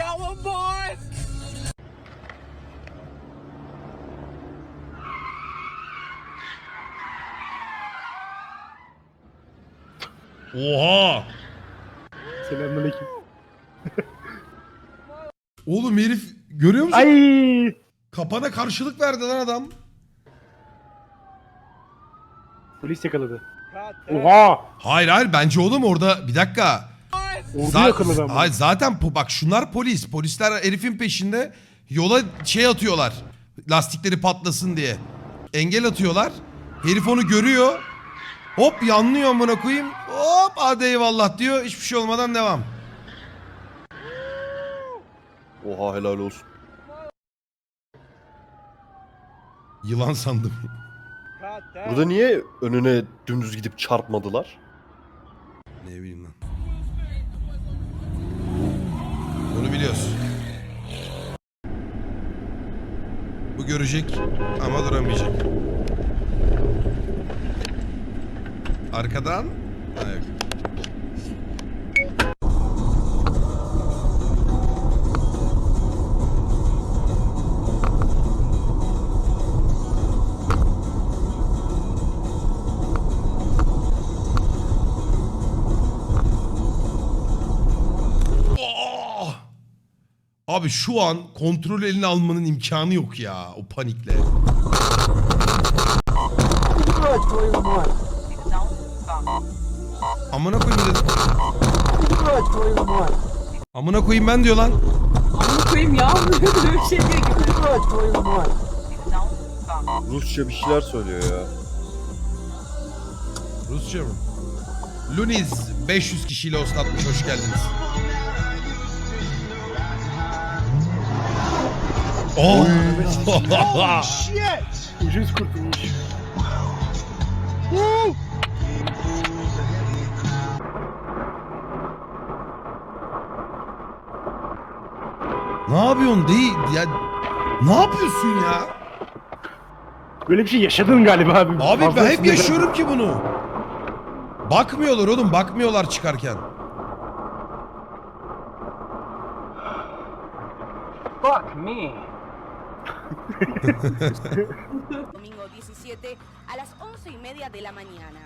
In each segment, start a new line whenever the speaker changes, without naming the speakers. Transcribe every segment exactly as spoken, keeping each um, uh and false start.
Oha!
Selamünaleyküm.
Oğlum herif görüyor musun?
Ay!
Kapana karşılık verdi lan adam.
Polis yakaladı. Oha!
Hayır hayır bence oğlum orada bir dakika.
Ordu
Za-
yakaladı ama.
Hayır zaten po- bak şunlar polis. Polisler herifin peşinde yola şey atıyorlar. Lastikleri patlasın diye. Engel atıyorlar. Herif onu görüyor. Hop yanlıyor amına koyayım. Hop hadi eyvallah diyor. Hiçbir şey olmadan devam.
Oha helal olsun.
Yılan sandım.
Burada niye önüne dümdüz gidip çarpmadılar?
Ne bileyim lan. Bunu biliyoruz. Bu görecek ama duramayacak. Arkadan. Ha, yok. Oh! Abi şu an kontrol eline almanın imkanı yok ya o panikle. Amına koyayım dedim. Amına koyayım ben diyor lan.
Amına koyayım ya. Böyle bir şey diyor gibi.
Rusça bir şeyler söylüyor ya.
Rusça mı? Luniz beş yüz kişiyle oslatmış, hoş geldiniz. Oh!
Ucuz kurtulmuş.
Ne yapıyorsun değil ya? Ne yapıyorsun ya?
Böyle bir şey yaşadın galiba abi.
Abi
Fazla
ben hep
sinirlen-
yaşıyorum ki bunu. Bakmıyorlar oğlum, bakmıyorlar çıkarken.
Fuck me.
Domingo diecisiete a las once y media de la mañana.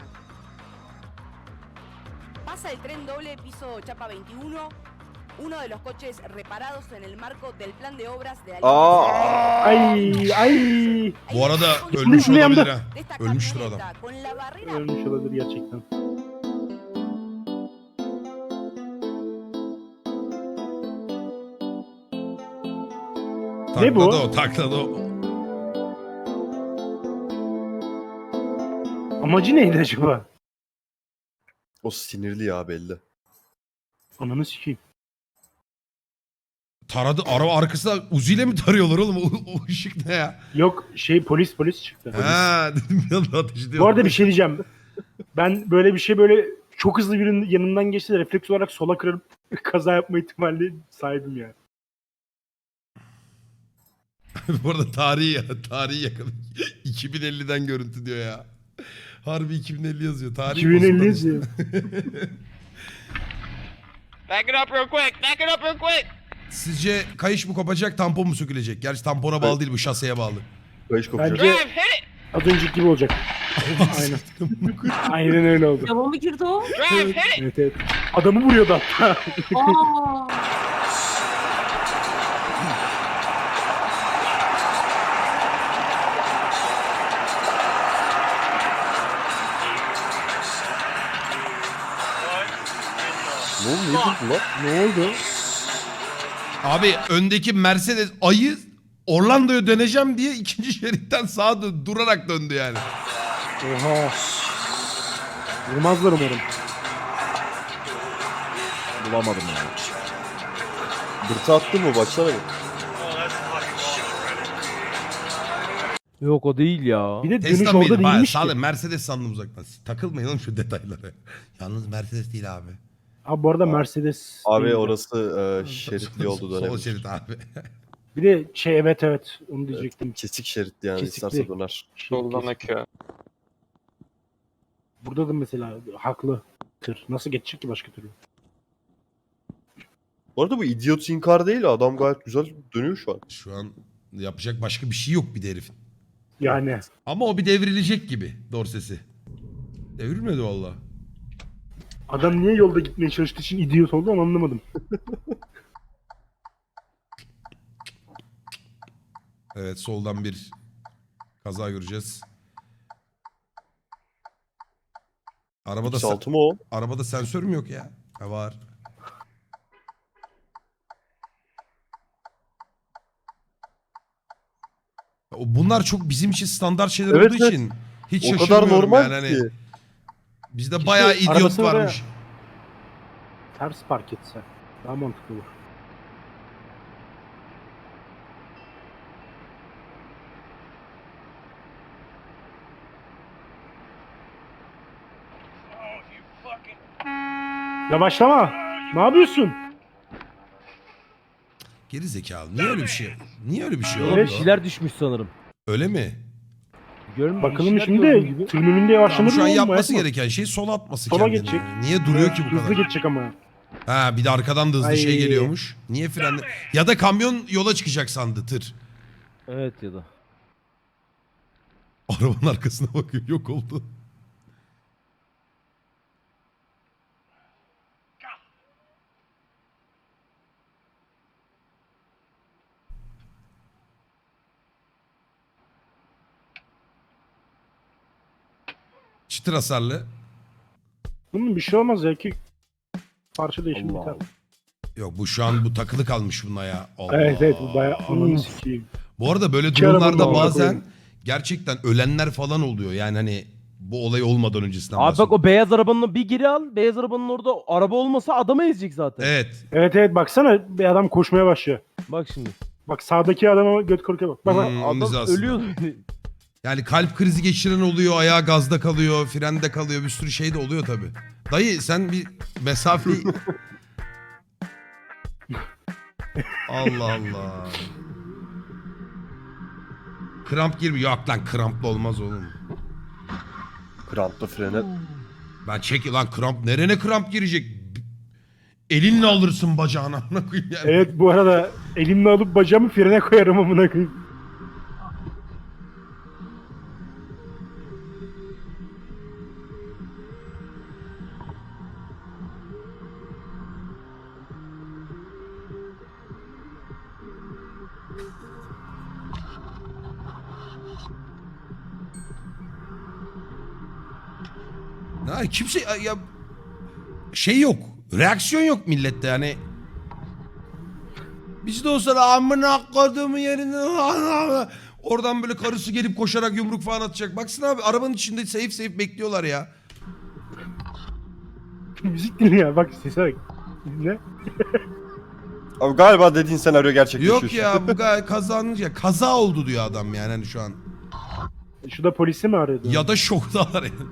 Pasa el tren doble piso Chapa veintiuno, uno de los coches reparados en el marco del plan de obras de la
Aa!
Ay ay.
Bu arada ölmüş
Ne yandı?
olabilir ha.
de esta
Ölmüştür adam.
camioneta con la barrera.
Ölmüş olabilir gerçekten. Ne bu?
Takladı o, takladı o.
Amacı neydi acaba?
O sinirli ya belli.
Ananı sikeyim.
Taradı, araba arkasına Uzi'yle mi tarıyorlar oğlum? O, o ışık ne ya?
Yok şey polis polis çıktı.
Ha dedim bir anda ateş ediyor.
Bu arada bir şey diyeceğim. Ben böyle bir şey böyle çok hızlı birinin yanından geçti de refleks olarak sola kırıp kaza yapma ihtimali sahibim ya.
Bu arada tarihi ya, tarihi yakaladık. iki bin elliden görüntü diyor ya. Harbi iki bin elli yazıyor. Tarih
iki bin elli
bozuldu
yazıyor.
Back it up real quick. Back it up real quick.
Sizce kayış mı kopacak, tampon mu sökülecek? Gerçi tampona bağlı değil, bu şaseye bağlı.
Kayış kopacak.
Bence
Drive, hit it.
az önceki gibi olacak. Aynen. Aynen öyle oldu.
Devam mı girdi o?
Drive, hit it.
Evet evet. Adamı vuruyordu hatta.
Aa.
Ne oldu? Niye durdu lan?
Ne oldu?
Abi öndeki Mercedes ayı Orlando'ya döneceğim diye ikinci şeritten sağa dön, durarak döndü yani.
Oha. Vurmazlar umarım.
Bulamadım yani. Dırtı attı mı? Baksana bir.
Yok o değil ya.
Bir de dönüş
Tesla
orada
mıydı? Hayır,
değilmiş
sağ
ki.
olun, Mercedes sandım uzaktan. Takılmayın oğlum şu detaylara. Yalnız Mercedes değil abi.
Abi bu arada Mercedes.
Abi
değil.
orası e, şeritli yoldu
Sol
dönebilir.
şerit abi.
Bir de şey evet evet onu diyecektim.
Kesik şeritli yani
Kesikli.
isterse döner.
Şey, kes-
akıyor.
Burada da mesela haklı tır. Nasıl geçecek ki başka türlü?
Bu arada bu idiot inkar değil. Adam gayet güzel dönüyor şu an.
Şu an yapacak başka bir şey yok bir de herifin.
Yani.
Ama o bir devrilecek gibi Dorsesi. Devrilmedi valla.
Adam niye yolda gitmeye çalıştığı için idiot oldu onu anlamadım.
Evet, soldan bir kaza göreceğiz. Arabada
X
sen-
altı mı o?
arabada sensör mü yok ya? Ha, var. O- Bunlar çok bizim için standart şeyler
Evet,
olduğu
evet.
için hiç
O kadar
şaşırmıyorum
normal
yani.
ki.
Hani bizde bayağı idiot
arabasını da-
varmış.
Ters park etse daha mantıklı olur. Yavaşlama. Ne yapıyorsun?
Geri zekalı. Niye öyle bir şey? Niye öyle bir şey
Yola
oldu?
bir şeyler düşmüş sanırım.
Öyle mi?
Görmüyor
Bakalım
bir şeyler gördüğüm
şimdi
gibi.
tırın önünde
Tamam,
yavaşlamadın
şu an
mı?
yapması
Yapma.
gereken şey sola atması
Sola
kendini.
geçecek.
Niye duruyor ki bu
Hızlı
kadar?
geçecek ama.
Ha, bir de arkadan da hızlı
Ay.
şey geliyormuş. Niye frenle? Ya da kamyon yola çıkacak sandı tır.
Evet ya da.
Arabanın arkasına bakıyor, yok oldu. Çıtır hasarlı.
Bunun bir şey olmaz ya ki parça değişimi
Allah
biter.
Allah.
Yok, bu şu an bu takılı kalmış buna ya. Allah.
Evet evet bu bayağı ananı sikeyim.
Bu arada böyle
İki
durumlarda
arabanın da
bazen
koyayım.
gerçekten ölenler falan oluyor. Yani hani bu olay olmadan öncesinden
Abi bak
bahsediyorum.
o beyaz arabanın bir geri al. Beyaz arabanın orada araba olmasa adamı ezecek zaten.
Evet.
Evet evet baksana bir adam koşmaya başlıyor.
Bak şimdi.
Bak sağdaki adama göt korkuya bak. Bak bak.
Hmm, onun
Adam
hizasında.
ölüyor.
Yani kalp krizi geçiren oluyor, ayağı gazda kalıyor, frende kalıyor, bir sürü şey de oluyor tabii. Dayı sen bir mesafe... Allah Allah. Kramp girmiyor. Yok lan, kramplı olmaz oğlum.
Krampla frene.
Ben çek lan, kramp nerene kramp girecek? Elinle alırsın bacağına. Amına koyayım yani.
Evet bu arada elimle alıp bacağımı frene koyarım amına koyayım.
Ha, kimse ya şey yok. Reaksiyon yok millette yani. Biz de olsa da amına koduğumu yerine oradan böyle karısı gelip koşarak yumruk falan atacak. Baksana abi, arabanın içinde safe safe bekliyorlar ya.
Müzik dinliyor bak sese bak. Ne?
Abi galiba dediğin senaryo gerçekleşiyor.
Yok
şu
ya,
an.
bu gay- kazanınca kaza oldu diyor adam yani hani şu an.
Şu da polisi mi arıyordu?
Ya da şoktalar yani.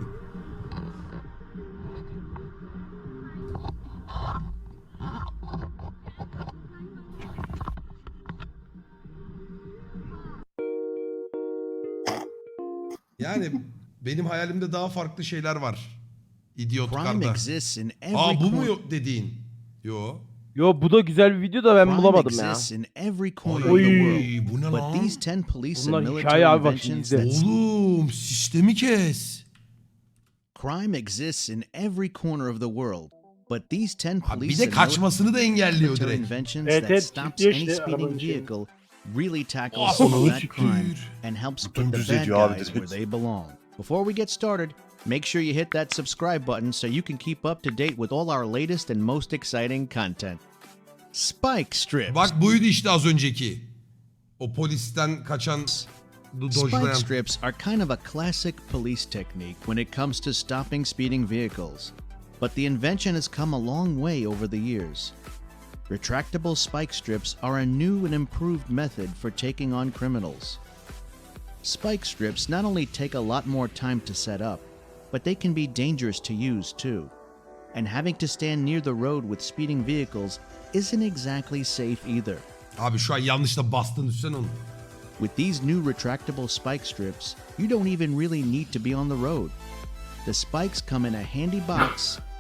Yani benim hayalimde daha farklı şeyler var.
Crime
İdiotkarda.
exists in every
Aa, bu mu
corner.
yok dediğin? Yo.
Yo bu da güzel bir video da ben
Crime
bulamadım ya.
exists in every corner of
Oy,
the world.
bu ne
But
lan?
these ten police
Bunlar
and military
hikaye abi, bak şimdi
inventions
izle.
that
Oğlum sistemi kes.
crime exists in every corner of the world. But these ten
Ha, bir
police
de
and
kaçmasını da engelliyor
military
direkt.
inventions
Evet,
that
evet,
stops
kilitliyor
any
işte
speeding
arabanın şeyini.
vehicle really tackles
Ah,
some
onu
of that
siktir.
crime and helps put the
Dümdüz
bad
ediyor abi
guys
direkt.
where they belong. Before we get started, make sure you hit that subscribe button so you can keep up to date with all our latest and most exciting content. Spike strips.
Bak buydu işte az önceki. O polisten kaçan do-
Spike
dojlayan.
strips are kind of a classic police technique when it comes to stopping speeding vehicles. But the invention has come a long way over the years. Retractable spike strips are a new and improved method for taking on criminals. Spike strips not only take a lot more time to set up, but they can be dangerous to use too. And having to stand near the road with speeding vehicles isn't exactly safe either.
Abi şu an yanlışla bastın üstüne onu.
With these new retractable spike strips, you don't even really need to be on the road. The spikes come in a handy box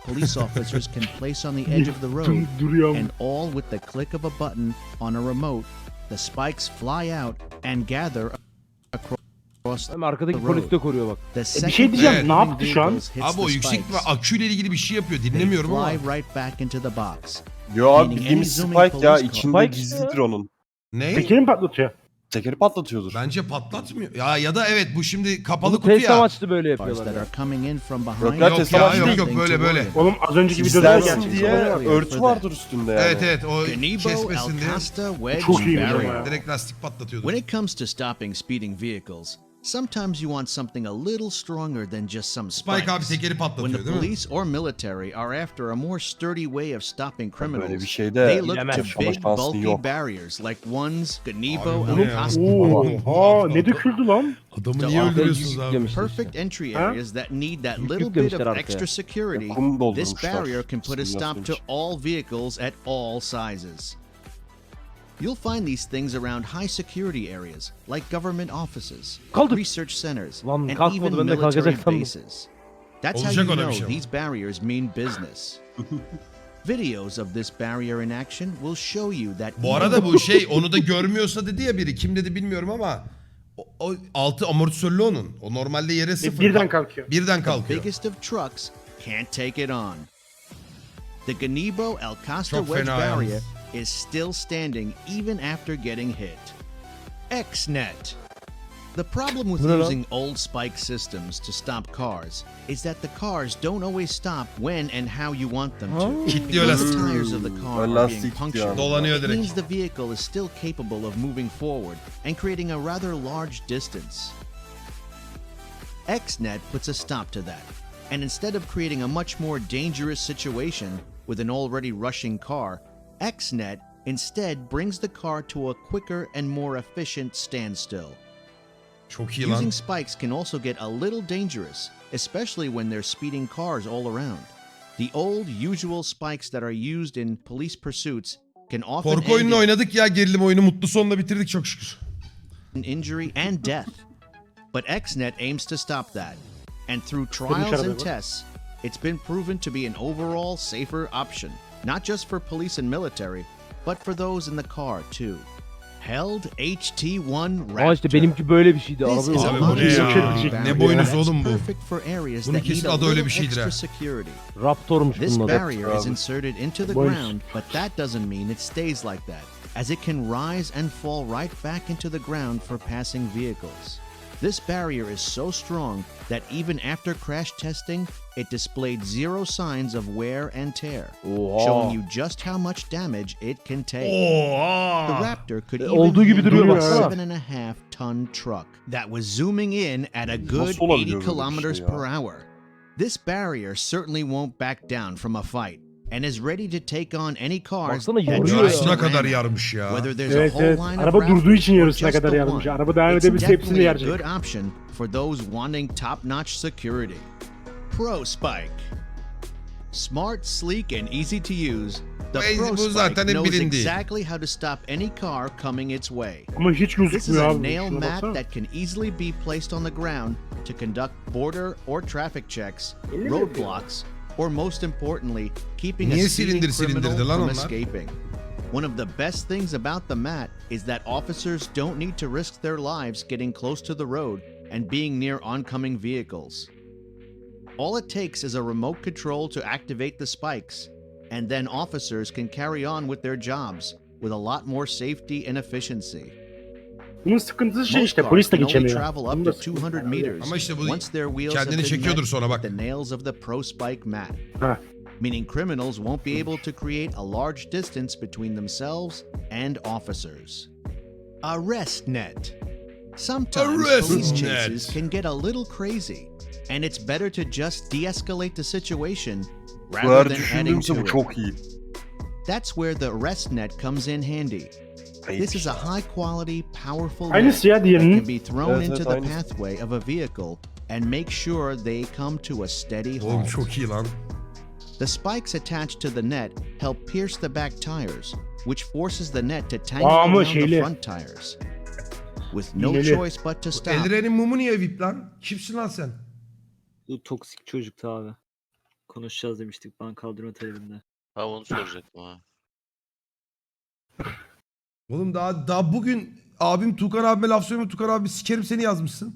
police officers can place on the edge of the road,
Dur- duruyor.
and all with the click of a button on a remote, the spikes fly out and gather across
Hem arkadaki
the
polis
road.
de koruyor bak.
The
E, bir şey
second
diyeceğim.
Evet.
Ne yaptı şu an?
vehicles hits
Abi o
the
yüksek
spikes,
bir aküyle ilgili bir şey yapıyor.
they
Dinlemiyorum ama.
fly right back into the box.
Yo abi
Meaning
bildiğimiz
any
Spike
zooming
ya.
police
içinde
car-
gizlidir onun.
Ne?
Tekeri mi patlatıyor?
Tekeri patlatıyordur.
Bence patlatmıyor. Ya ya da evet bu şimdi kapalı
Bunu
kutu
test
ya.
amaçlı böyle
Cars
yapıyorlar.
that
ya.
are coming in from behind.
Yok ya,
Yok
Tesla
ya
amaçlı
yok
değil.
yok böyle böyle.
Oğlum az önceki videoda da
Gizlensin
gerçek.
diye
Oluyor.
örtü vardır üstünde yani.
Evet evet o
Ganibo,
kesmesin diye.
Alcasta, Wedge,
Çok iyi
Barrier.
video ya.
Direkt lastik patlatıyordu.
When it comes to stopping speeding vehicles, sometimes you want something a little stronger than just some spikes.
Spike abi tekeri
When
patlatıyor
the
değil mi?
police or military are after a more sturdy way of stopping criminals,
Böyle bir şeyde
they look to
bilemez.
Yaşama
big,
şansın
bulky
yok.
barriers like ones, Ganibo,
Abi bu ne ya?
Alcasta.
Oha ne döküldü lan?
Adamı
Ya
niye
arkaya
öldürüyorsunuz
yük
abi?
yüklemişler
Perfect
işte.
entry
Huh?
areas that need that
Yük
little bit
yüklemişler
of
arkaya.
extra security.
Kum
This
doldurmuşlar.
barrier can put a stop
Simülasyon
to
için.
all vehicles at all sizes. You'll find these things around high security areas like government offices,
Kaldık.
research centers,
Lan
and
kalkmadı,
even
ben de
military
kalkacak sandım.
bases. That's how
Olacak
you
öyle bir
know
şey.
these barriers mean business. Videos of this barrier in action will show you that
Bu arada bu şey onu da görmüyorsa dedi ya biri. Kim dedi bilmiyorum ama o, o altı amortisörlü onun. O normalde yere
E,
sıfır.
birden kalkıyor.
Birden
the
kalkıyor.
biggest of trucks can't take it on. The Ganibo Alcasta
Çok
Wedge
fena yalnız.
barrier is still standing even after getting hit. X-Net. The problem with
Bu ne lan?
using old spike systems to stop cars is that the cars don't always stop when and how you want them to.
Kilitliyor
Because the
lastik.
tires of the car
Hmm.
are being
Lastik
punctured.
yani.
Dolanıyor
It
direkt.
means the vehicle is still capable of moving forward and creating a rather large distance. X-Net puts a stop to that, and instead of creating a much more dangerous situation with an already rushing car, X-Net instead brings the car to a quicker and more efficient standstill.
Çok iyi lan.
Using spikes can also get a little dangerous, especially when there's speeding cars all around. The old usual spikes that are used in police pursuits can often
Korku
end
oyununu
in
oynadık ya gerilim oyunu. Mutlu sonla bitirdik çok şükür.
injury and death. But X-Net aims to stop that. And through trials
arada
and
bu.
tests, it's been proven to be an overall safer option, not just for police and military, but for those in the car too. Held H T one Raptor.
Aa işte benimki böyle bir şeydi.
This
Araba
is a
Abi
yok.
bu ne
much
ya?
stronger
Ne
barrier
boynuzu
that's
oğlum bu?
perfect for areas
Bunun
that need
kesin
a
adı öyle
little
bir şeydir
extra
ha.
security.
Raptor'muş
This
bunun adı.
barrier is
Abi.
inserted into the
Boymuş.
ground, but that doesn't mean it stays like that, as it can rise and fall right back into the ground for passing vehicles. This barrier is so strong that even after crash testing, it displayed zero signs of wear and tear,
Oha.
showing you just how much damage it can take. The
Oha.
Raptor could
E,
even
olduğu gibi
handle
duruyor
a
baksana.
seven and a half ton truck that was zooming in at a good
Nasıl olabiliyor
eighty
böyle bir şey
kilometers
ya?
per hour. This barrier certainly won't back down from a fight and is ready to take on any cars
Baksana
that
yarıyor
try
ya.
to
Yarısına
ram
kadar
it.
yarmış ya.
Whether there's
Evet
a whole
evet.
line of
Araba
Raptors
durduğu için
or
yarısına
just
kadar
the
yarmış.
one,
Araba devam
it's
edebilse hepsini
definitely a
yaracak.
good option for those wanting top-notch security. Pro Spike. Smart, sleek, and easy to use, the
Bu-
Pro
bu
Spike
zaten hep
knows
bilindiği.
exactly how to stop any car coming its way.
Ama hiç
This is
gözükmüyor
a
abi.
nail
Şuna
mat
baksana.
that can easily be placed on the ground to conduct border or traffic checks, roadblocks, or most importantly, keeping a
Niye
speeding
silindir
criminal
silindirdi lan
from
onlar?
escaping. One of the best things about the mat is that officers don't need to risk their lives getting close to the road and being near oncoming vehicles. All it takes is a remote control to activate the spikes, and then officers can carry on with their jobs with a lot more safety and efficiency.
Bunun sıkıntısı şey
Most
işte
cars
polis de
can only
geçemiyor.
travel
Bunun
up
da
to
sıkıntısı
two hundred
var.
meters
Ama işte bu
once their wheels have
kendini
been
çekiyordur
met
sonra bak.
with the nails of the Pro Spike mat,
Ha.
meaning criminals won't be able to create a large distance between themselves and officers. Arrest net. Sometimes
Arrest
police
net.
chases can get a little crazy, and it's better to just de-escalate the situation
Bu
rather
eğer
than adding
düşündüğümse
to
bu
it.
çok iyi.
That's where the arrest net comes in handy. This is a high-quality, powerful net
Aynısı ya
that
diğerinin.
can be thrown
Evet,
into
evet,
the
aynısı.
pathway of a vehicle and make sure they come to a steady
Oğlum
halt.
çok iyi lan.
The spikes attached to the net help pierce the back tires, which forces the net to tangle
Aa, ama
around the
şeyli.
front tires. With no
İğneli.
choice but to stop,
Eldirenin mumu niye vip lan? Kimsin lan sen?
Bu toksik çocuktu abi. Konuşacağız demiştik bank kaldırma talebinde.
Ha onu soracaktım ha.
Oğlum daha daha bugün abim Tukan abime laf söyleme, Tukan abi sikerim seni yazmışsın.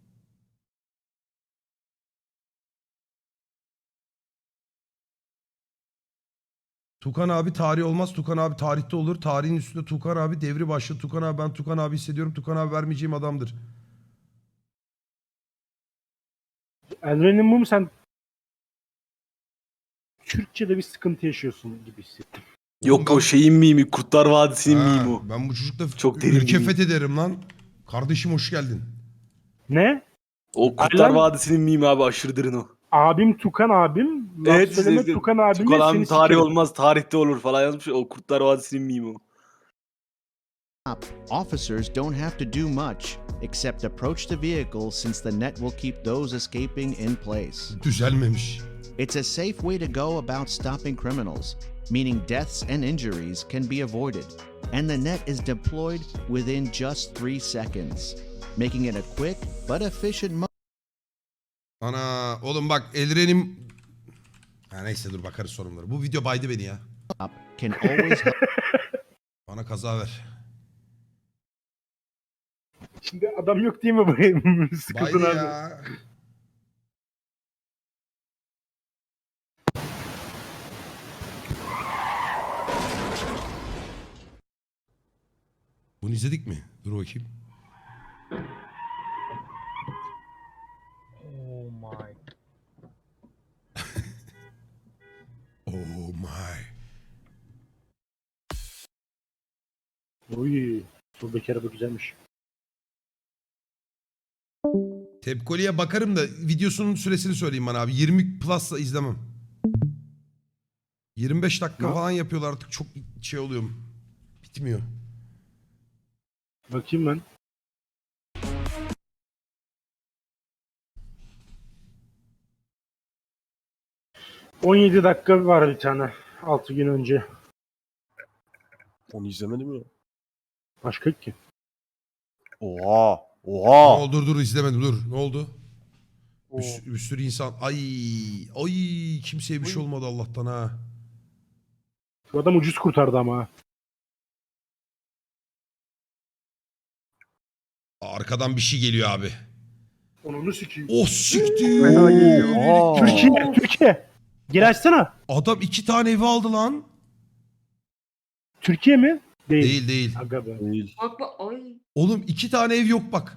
Tukan abi tarih olmaz. Tukan abi tarihte olur. Tarihin üstünde Tukan abi devri başladı. Tukan abi ben Tukan abi hissediyorum. Tukan abi vermeyeceğim adamdır.
Elren'in mum sen Türkçe'de bir sıkıntı yaşıyorsun gibi hissettim.
Yok, o
şeyin mimi, Kurtlar Vadisi'nin
Ha, ben bu çocukla
Çok derin
ülke
bir-
fethederim lan. Kardeşim hoş geldin.
Ne?
O
Kurtlar
Vadisi'nin mimi abi aşırı derin o.
Abim Tukan abim. Laf
Evet,
söyleme
siz-
Tukan abimle seni sikerim.
olmaz, tarihte olur falan yazmış. O Kurtlar Vadisi'nin mimi o.
Officers don't have to do much except approach the vehicle since the net will keep those escaping in place.
Düzelmemiş.
It's a safe way to go about stopping criminals, meaning deaths and injuries can be avoided, and the net is deployed within just three seconds, making it a quick but efficient mode.
Ana oğlum bak Elren'im... Ha neyse dur bakarız sorunlara. Bu video baydı beni ya.
Can always help.
Bana kaza ver.
Şimdi adam yok değil mi bu? Sıkıldın
Baydı
abi.
ya. Bunu izledik mi? Dur bakayım.
Oh my.
Oh my.
Oy. Soldaki araba güzelmiş.
Tepkoli'ye bakarım da videosunun süresini söyleyeyim bana abi. yirmi plus'la izlemem. yirmi beş dakika
Ne?
falan yapıyorlar artık çok şey oluyorum. Bitmiyor.
Bakayım ben. on yedi dakika var bir tane. altı gün önce.
Onu izlemedim ya.
Başka yok ki.
Oha.
Ne
Oha.
oldu dur dur izlemedim dur. Ne oldu? Bir,
Oo.
sü- bir sürü insan. Ay ay kimseye bir şey olmadı Allah'tan ha.
Bu adam ucuz kurtardı ama. ha.
Arkadan bir şey geliyor abi.
Onu sikeyim.
Oh siktir.
Oha.
Türkiye, Türkiye. Geri açsana.
Adam iki tane evi aldı lan.
Türkiye mi? Değil.
Değil değil.
Aga be.
Değil.
Bak bak ay.
Oğlum iki tane ev yok bak.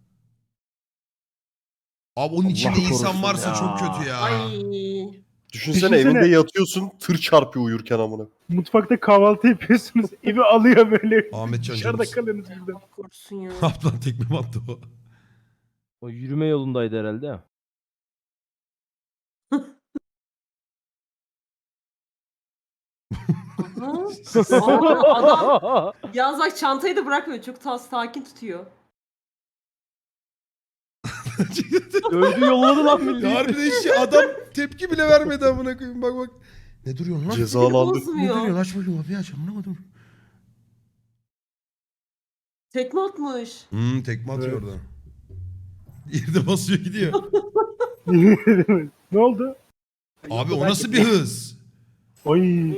Abi onun içinde
Allah
insan
korusun
varsa
ya.
çok kötü ya.
Ay.
Düşünsene,
Düşünsene.
evinde yatıyorsun, tır çarpıyor uyurken amına.
Mutfakta kahvaltı yapıyorsunuz. Evi alıyor böyle.
Ahmet Can
Dışarıda
Canımız.
kalıyorsunuz birden.
Allah korusun ya.
Ne yaptı lan tekme mi attı o?
O yürüme yolundaydı herhalde.
Aha. Aa, adam yalnız bak çantayı da bırakmıyor. Çok ta sakin tutuyor.
Dövdü yolladı lan milleti.
Harbiden hiç adam tepki bile vermedi amına koyayım bak bak. Ne duruyorsun lan?
Cezalandı.
Ne
Bozmuyor.
duruyorsun? Aç bakayım kapıyı aç anlamadım.
Tekme atmış.
Hmm tekme atıyor oradan. Yerde basıyor gidiyor.
Ne oldu?
Abi o nasıl bir hız?
Oy.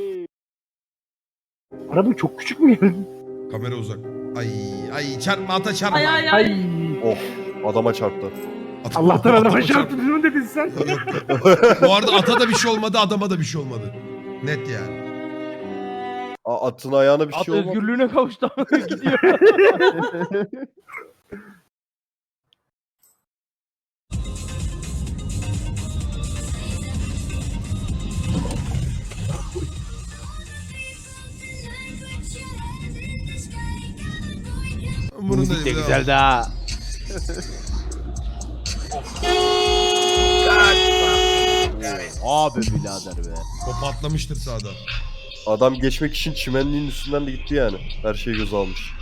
Araba çok küçük mü geldi?
Kamera uzak. Ay ay çarpma ata çarpma.
Ay ay ay.
Ay.
Oh, adama çarptı.
Ata-
Allah'tan adama
atama
çarptı mı dedin sen?
Yok, yok. Bu arada ata da bir şey olmadı adama da bir şey olmadı. Net yani.
A- atın ayağına bir
At
şey olmadı.
özgürlüğüne kavuştu. Gidiyor.
Bunun da
de güzeldi ha. Abi birader be.
O patlamıştır sağda.
Adam geçmek için çimenliğin üstünden de gitti yani. Her şeyi göze almış.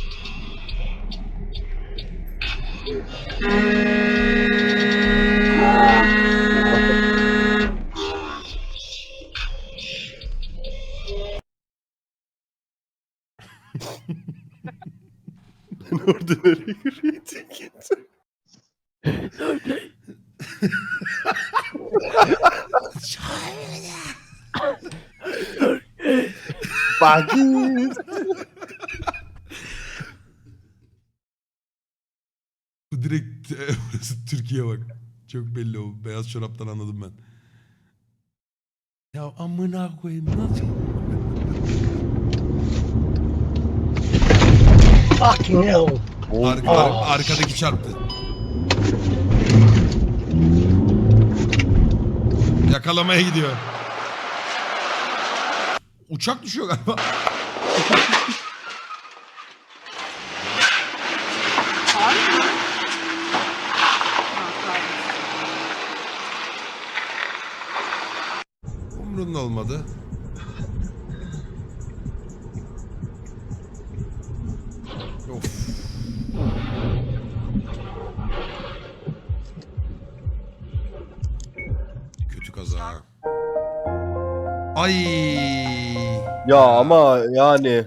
Ben orada nereye yürüyordum? Bagit.
Bu direkt burası Türkiye bak. Çok belli o. Beyaz çoraptan anladım ben. Ya amına koyayım nasıl?
Fucking hell.
Arka, ar- arkadaki çarptı. Yakalamaya gidiyor. Uçak düşüyor galiba.
Harbi mi? Ha, pardon.
Umrunda olmadı. Of. Kötü kaza. Ay.
Ya ama yani.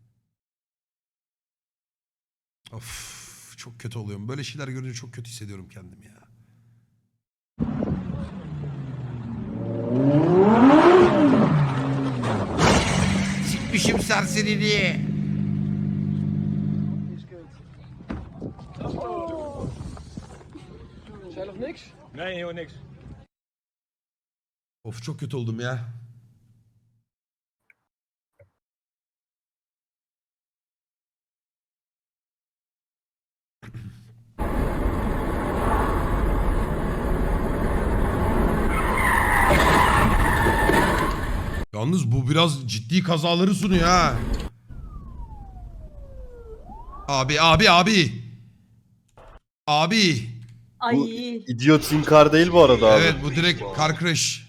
Of, çok kötü oluyorum. Böyle şeyler görünce çok kötü hissediyorum kendimi ya. Sikmişim serseriliği. Of çok kötü oldum ya. Yalnız bu biraz ciddi kazaları sunuyor ha. Abi abi abi. Abi.
Ay.
Bu idiot inkar değil bu arada abi.
Evet bu direkt car crash.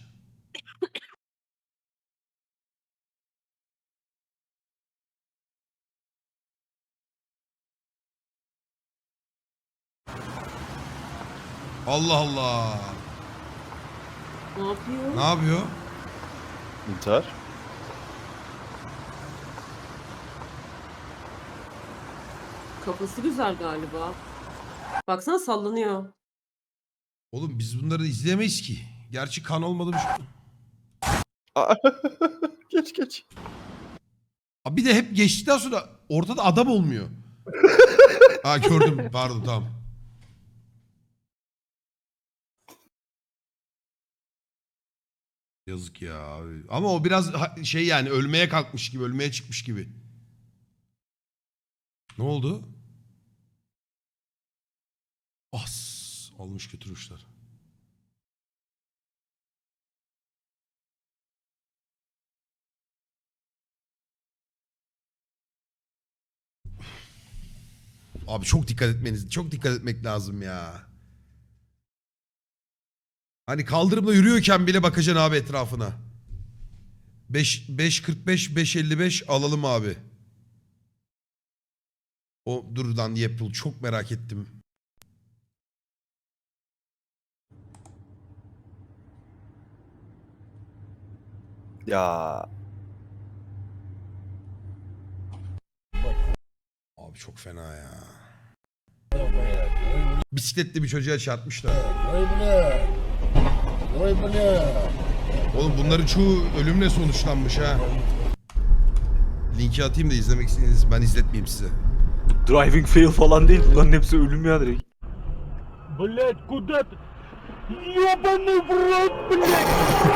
Allah Allah.
Ne yapıyor?
Ne yapıyor?
İntihar.
Kafası güzel galiba. Baksana sallanıyor.
Oğlum biz bunları izleyemeyiz ki. Gerçi kan olmadı mı?
Geç geç.
Abi bir de hep geçtikten sonra ortada adam olmuyor. Ha gördüm pardon tamam. Yazık ya abi. Ama o biraz ha- şey yani ölmeye kalkmış gibi, ölmeye çıkmış gibi. Ne oldu? As almış götürmüşler. Abi çok dikkat etmeniz, çok dikkat etmek lazım ya. Hani kaldırımda yürüyorken bile bakacaksın abi etrafına. beş beş kırk beş beş elli beş alalım abi. O dur lan Yapıl çok merak ettim.
Ya.
Abi çok fena ya. Bisikletli bir çocuğa çarpmışlar. Oğlum bunların çoğu ölümle sonuçlanmış ha. Linki atayım da izlemek istediğiniz ben izletmeyeyim size.
Driving fail falan değil. Bunların hepsi ölüm ya direkt.
Блять, куда ты? Ёбаный в рот, блять!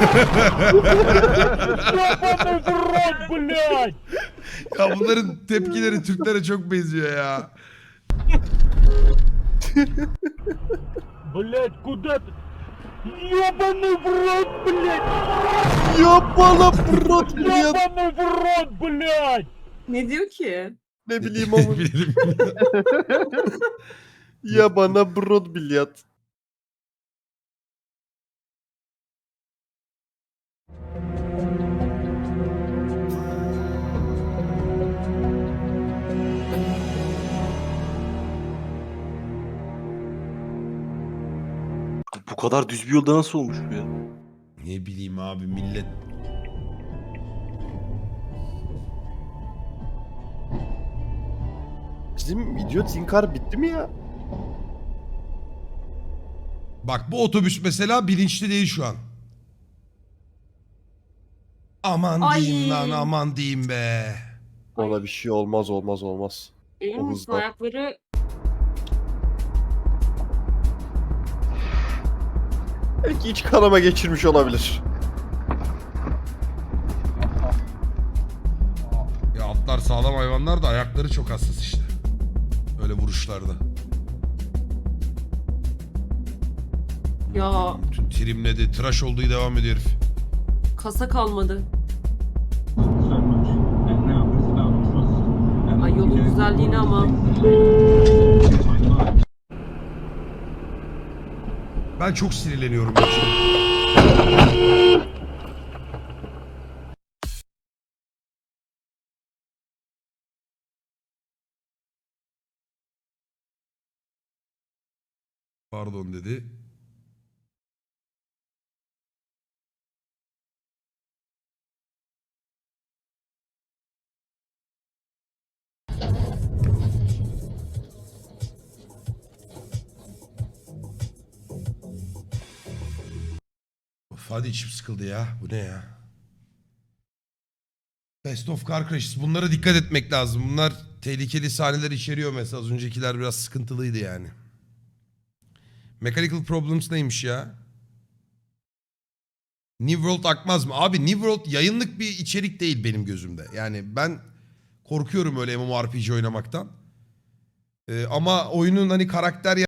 Ёбаный в рот, блять!
Ya bunların tepkileri Türklere çok benziyor ya.
Блять, куда ты? Ёбаный в рот, блять!
Ya bana brot ya
Ёбаный в рот, блять!
Ne diyor ki?
ne bileyim ama.
Bilelim.
Ya bana brot bilyat.
Bu kadar düz bir yolda nasıl olmuş bu ya?
Ne bileyim abi millet.
Bizim idiot inkar bitti mi ya?
Bak bu otobüs mesela bilinçli değil şu an. Aman
Ay.
diyeyim lan aman diyeyim be.
Ona bir şey olmaz olmaz olmaz.
Emin
O
misin
hızda.
ayakları?
Belki iç kanama geçirmiş olabilir.
Ya atlar sağlam hayvanlar da ayakları çok hassas işte. Öyle vuruşlarda.
Ya
Bütün trimledi, tıraş olduğu devam ediyor herif.
kasa kalmadı. Ay yolun güzelliğini ama.
Ben çok sinirleniyorum. bu işe. Pardon dedi. Of hadi içim sıkıldı ya. Bu ne ya? Best of Car Crashes. Bunlara dikkat etmek lazım. Bunlar tehlikeli sahneler içeriyor mesela. Az öncekiler biraz sıkıntılıydı yani. Mechanical Problems neymiş ya? New World akmaz mı? Abi New World yayınlık bir içerik değil benim gözümde. Yani ben korkuyorum öyle MMORPG oynamaktan. Ee, ama oyunun hani karakter